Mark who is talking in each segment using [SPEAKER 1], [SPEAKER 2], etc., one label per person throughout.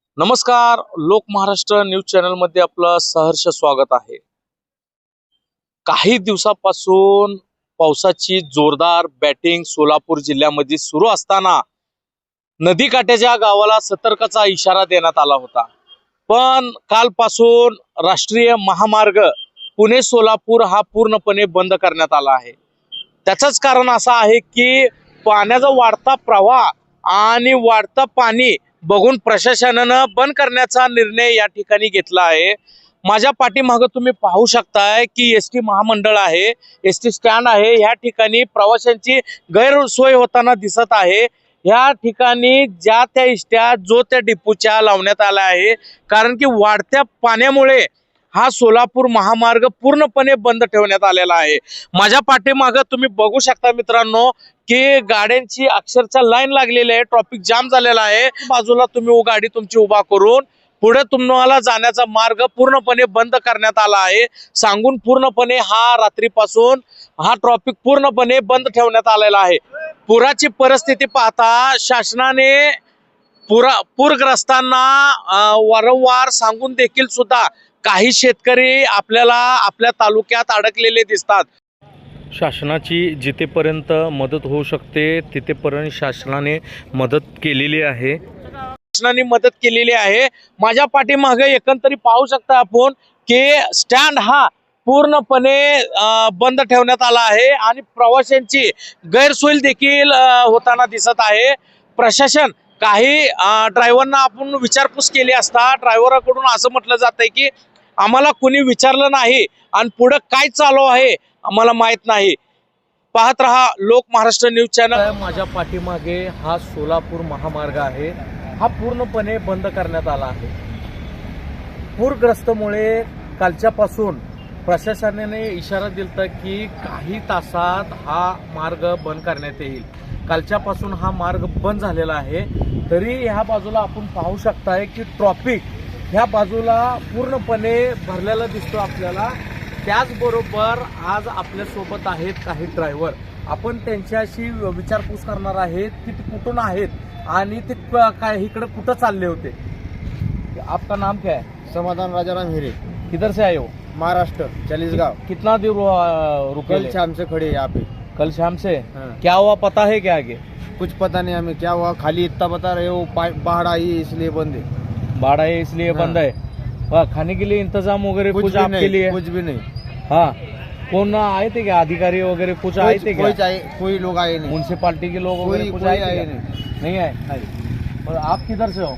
[SPEAKER 1] नमस्कार. लोक Maharashtra news channel मध्ये आपलं सहर्ष स्वागत आहे. काही दिवसापासून पावसाची जोरदार बॅटिंग सोलापूर जिल्ह्यामध्ये सुरू असताना नदीकाठ्याच्या गावाला सतर्कचा इशारा देण्यात आला होता. पण कालपासून राष्ट्रीय महामार्ग पुणे सोलापूर हा पूर्णपणे बंद करण्यात आला आहे. त्याचंच कारण असं आहे की पाण्याचा वाढता प्रवाह आणि वाढता पाणी बघून प्रशासनानं बंद करण्याचा निर्णय या ठिकाणी घेतला आहे. माझ्या पाठीमागे तुम्ही पाहू शकताय की एसटी महामंडळ आहे, एसटी स्टँड आहे. या ठिकाणी प्रवाशांची गैरसोय होताना दिसत आहे. या ठिकाणी ज्या त्या एसट्या जो त्या डिपोच्या लावण्यात आला आहे, कारण की वाढत्या पाण्यामुळे हा सोलापूर महामार्ग पूर्णपणे बंद ठेवण्यात आलेला आहे. माझ्या पाठीमागे तुम्ही बघू शकता मित्रांनो की गाड्यांची अक्षरशः लाईन लागलेली आहे, ट्रॅफिक जाम झालेला आहे. बाजूला तुम्ही गाडी तुमची उभा करून पुढे तुम्हाला जाण्याचा मार्ग पूर्णपणे बंद करण्यात आला आहे. सांगून पूर्णपणे हा रात्रीपासून हा ट्रॅफिक पूर्णपणे बंद ठेवण्यात आलेला आहे. पुराची परिस्थिती पाहता शासनाने पूरग्रस्तांना वारंवार सांगून देखील सुद्धा काही शेतकरी आपल्याला आपल्या तालुक्यात अडकलेले दिसतात. शासनाची जिथेपर्यंत मदत होऊ शकते तिथेपर्यंत शासनाने मदत केलेली आहे. माझ्या पाठीमागे एकंदरीत पाहू शकता आपण की स्टँड हा पूर्णपणे बंद ठेवण्यात आला आहे आणि प्रवाशांची गैरसोय देखील होताना दिसत आहे. प्रशासन काही ड्रायव्हरना आपण विचारपूस केली असता ड्रायव्हराकडून असं म्हटलं जातंय की आम्हाला कोणी विचारलं नाही आणि पुढे काय चालू आहे आम्हाला माहित नाही. पाहत रहा लोक महाराष्ट्र न्यूज चॅनल. माझ्या पाठीमागे हा सोलापूर महामार्ग आहे, हा पूर्णपणे बंद करण्यात आला आहे. पूरग्रस्तमुळे कालच्यापासून प्रशासनाने इशारा दिला की काही तासात हा मार्ग बंद करण्यात येईल. कालच्यापासून हा मार्ग बंद झालेला आहे. तरी ह्या बाजूला आपण पाहू शकताय की ट्रॅफिक ह्या बाजूला पूर्णपणे भरलेला दिसतो आपल्याला. त्याचबरोबर आज आपल्यासोबत आहेत काही ड्रायव्हर. आपण त्यांच्याशी विचारपूस करणार आहेत की ते कुठून आहेत आणि ते काय इकडे कुठं चालले होते. आपका नाम क्या है?
[SPEAKER 2] समाधान राजाराम हिरे.
[SPEAKER 1] किधर से आए हो?
[SPEAKER 2] महाराष्ट्र चालीसगांव.
[SPEAKER 1] कितना देर रुके?
[SPEAKER 2] कल शाम से खड़े यहाँ पे.
[SPEAKER 1] कल शाम से?
[SPEAKER 2] हाँ।
[SPEAKER 1] क्या हुआ पता है क्या आगे?
[SPEAKER 2] कुछ पता नहीं हमें क्या हुआ, खाली इतना बता रहे हो बाढ़ आई इसलिए बंद है.
[SPEAKER 1] बाढ़ है इसलिए बंद है. खाने के लिए इंतजाम वगैरह कुछ आपके लिए?
[SPEAKER 2] कुछ भी नहीं.
[SPEAKER 1] हाँ, कौन आए थे क्या? अधिकारी वगैरह कुछ आए थे क्या?
[SPEAKER 2] कोई लोग आए नहीं.
[SPEAKER 1] म्युनिसिपालिटी के लोग वगैरह कुछ आए थे क्या? नहीं आए. और आप किधर से हो?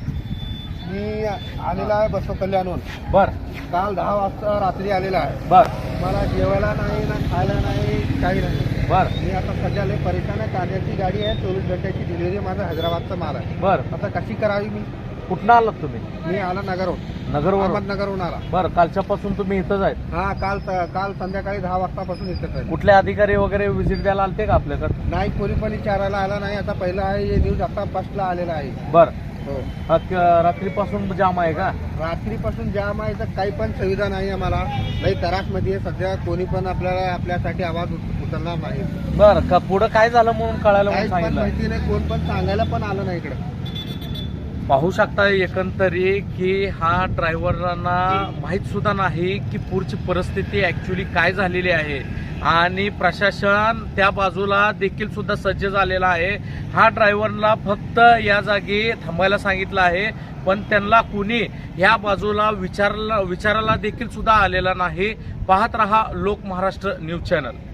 [SPEAKER 2] मी आलेला आहे बसव कल्याणहून.
[SPEAKER 1] बर.
[SPEAKER 2] काल 10 वाजता रात्री आलेला आहे.
[SPEAKER 1] बर.
[SPEAKER 2] मला जेवायला नाही ना खायला नाही काही नाही.
[SPEAKER 1] बर.
[SPEAKER 2] मी आता सध्या लय परेशान आहे. कार्याची गाडी आहे, 24 घंट्याची डिलिव्हरी. माझा हैदराबादचा माल आहे.
[SPEAKER 1] बर.
[SPEAKER 2] आता कशी करावी मी?
[SPEAKER 1] कुठं आलात तुम्ही?
[SPEAKER 2] मी आला नगरहून.
[SPEAKER 1] नगरवरून?
[SPEAKER 2] अहमदनगरहून आला.
[SPEAKER 1] बर. कालच्यापासून तुम्ही इथंच आहेत?
[SPEAKER 2] हा, काल संध्याकाळी 10 वाजतापासून इथेच आहे.
[SPEAKER 1] कुठले अधिकारी वगैरे व्हिजिट द्यायला आलते का आपल्याकडे?
[SPEAKER 2] नाही, कोणी पण विचारायला आला नाही. आता पहिला आहे हे न्यूज आता फर्स्टला आलेला आहे.
[SPEAKER 1] बर.
[SPEAKER 2] हो.
[SPEAKER 1] रात्रीपासून जाम आहे का?
[SPEAKER 2] रात्रीपासून जाम आहे तर काही पण सुविधा नाही आम्हाला. लई त्रासमध्ये आहे सध्या. कोणी पण आपल्यासाठी आवाज उचलणार नाही.
[SPEAKER 1] बर. का पुढं काय झालं म्हणून कळायला म्हणून
[SPEAKER 2] काही पण
[SPEAKER 1] सांगितलं?
[SPEAKER 2] माहिती नाही, कोण पण सांगायला पण आलं नाही इकडे.
[SPEAKER 1] पाहू शकता एकंदरीत की हा ड्रायव्हरांना माहीत सुद्धा नाही की पूरची परिस्थिती ऍक्च्युली काय झालेली आहे आणि प्रशासन त्या बाजूला देखील सुद्धा सज्ज झालेला आहे. हा ड्रायव्हरला फक्त या जागी थांबायला सांगितलं आहे, पण त्यांना कुणी ह्या बाजूला विचारायला देखील सुद्धा आलेला नाही. पाहत रहा लोक महाराष्ट्र न्यूज चॅनल.